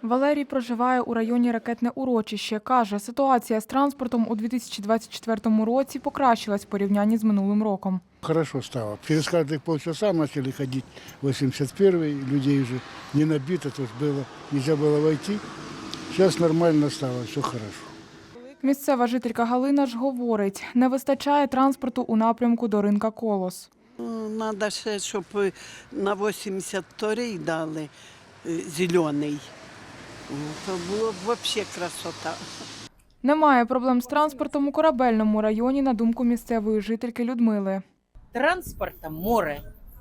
Валерій проживає у районі Ракетне урочище. Каже, ситуація з транспортом у 2024 році покращилась в порівнянні з минулим роком. Хорошо стало. Через каждые полчаса начали ходить 81-й, людей уже не набито, то есть было, нельзя было войти. Сейчас нормально стало, все хорошо. Місцева жителька Галина ж говорить, не вистачає транспорту у напрямку до ринка «Колос». Треба ще, щоб на 82-й дали зелений. То було б взагалі красота. Немає проблем з транспортом у Корабельному районі, на думку місцевої жительки Людмили. Транспорта море.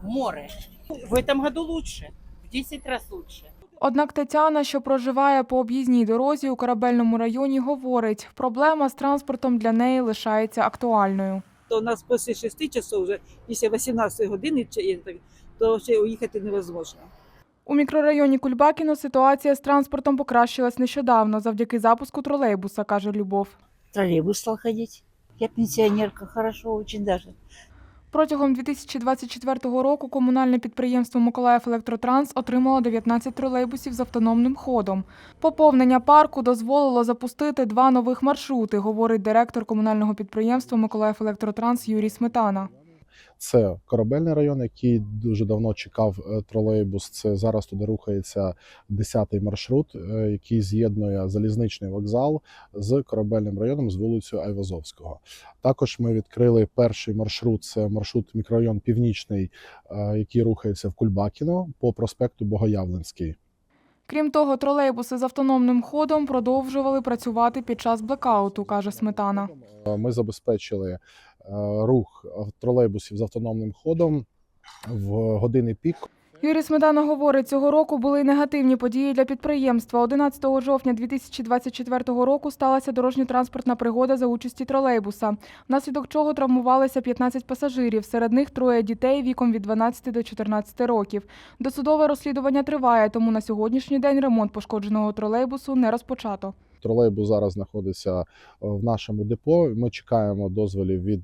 В этом году лучше, в 10 раз лучше. Однак Тетяна, що проживає по об'їзній дорозі у Корабельному районі, говорить, проблема з транспортом для неї лишається актуальною. То у нас після 6 часов, вже після 18 години, то ще уїхати невозможно. У мікрорайоні Кульбакіно ситуація з транспортом покращилась нещодавно завдяки запуску тролейбуса, каже Любов. Троллейбус стал ходить. Я пенсионерка, хорошо, очень даже. Протягом 2024 року комунальне підприємство «Миколаївелектротранс» отримало 19 тролейбусів з автономним ходом. Поповнення парку дозволило запустити 2 нових маршрути, говорить директор комунального підприємства «Миколаївелектротранс» Юрій Сметана. Це Корабельний район, який дуже давно чекав тролейбус. Це зараз туди рухається 10-й маршрут, який з'єднує залізничний вокзал з Корабельним районом з вулицею Айвазовського. Також ми відкрили перший маршрут, це маршрут мікрорайон Північний, який рухається в Кульбакіно по проспекту Богоявленський. Крім того, тролейбуси з автономним ходом продовжували працювати під час блекауту, каже Сметана. Ми забезпечили рух тролейбусів з автономним ходом в години пік. Юрій Сметана говорить, цього року були й негативні події для підприємства. 11 жовтня 2024 року сталася дорожньо-транспортна пригода за участі тролейбуса, внаслідок чого травмувалися 15 пасажирів, серед них 3 дітей віком від 12 до 14 років. Досудове розслідування триває, тому на сьогоднішній день ремонт пошкодженого тролейбусу не розпочато. Тролейбус зараз знаходиться в нашому депо. Ми чекаємо дозволів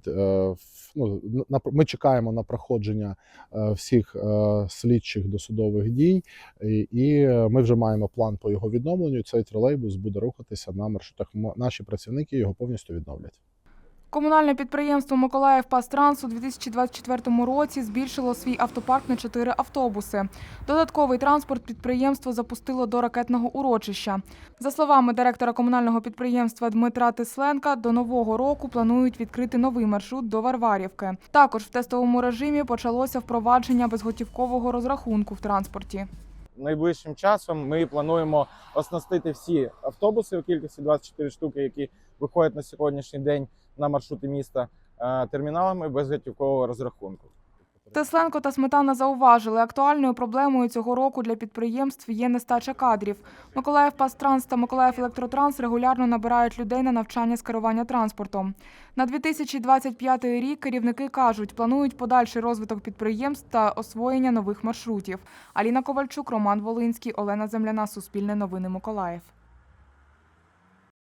ми чекаємо на проходження всіх слідчих досудових дій, і ми вже маємо план по його відновленню. Цей тролейбус буде рухатися на маршрутах. Наші працівники його повністю відновлять. Комунальне підприємство «Миколаївпастранс» у 2024 році збільшило свій автопарк на 4 автобуси. Додатковий транспорт підприємство запустило до Ракетного урочища. За словами директора комунального підприємства Дмитра Тисленка, до Нового року планують відкрити новий маршрут до Варварівки. Також в тестовому режимі почалося впровадження безготівкового розрахунку в транспорті. Найближчим часом ми плануємо оснастити всі автобуси у кількості 24 штуки, які виходять на сьогоднішній день на маршрути міста, терміналами безготівкового розрахунку. Тисленко та Сметана зауважили, актуальною проблемою цього року для підприємств є нестача кадрів. «Миколаївпастранс» та «Миколаївелектротранс» регулярно набирають людей на навчання з керування транспортом. На 2025 рік керівники кажуть, планують подальший розвиток підприємств та освоєння нових маршрутів. Аліна Ковальчук, Роман Волинський, Олена Земляна, Суспільне новини, Миколаїв.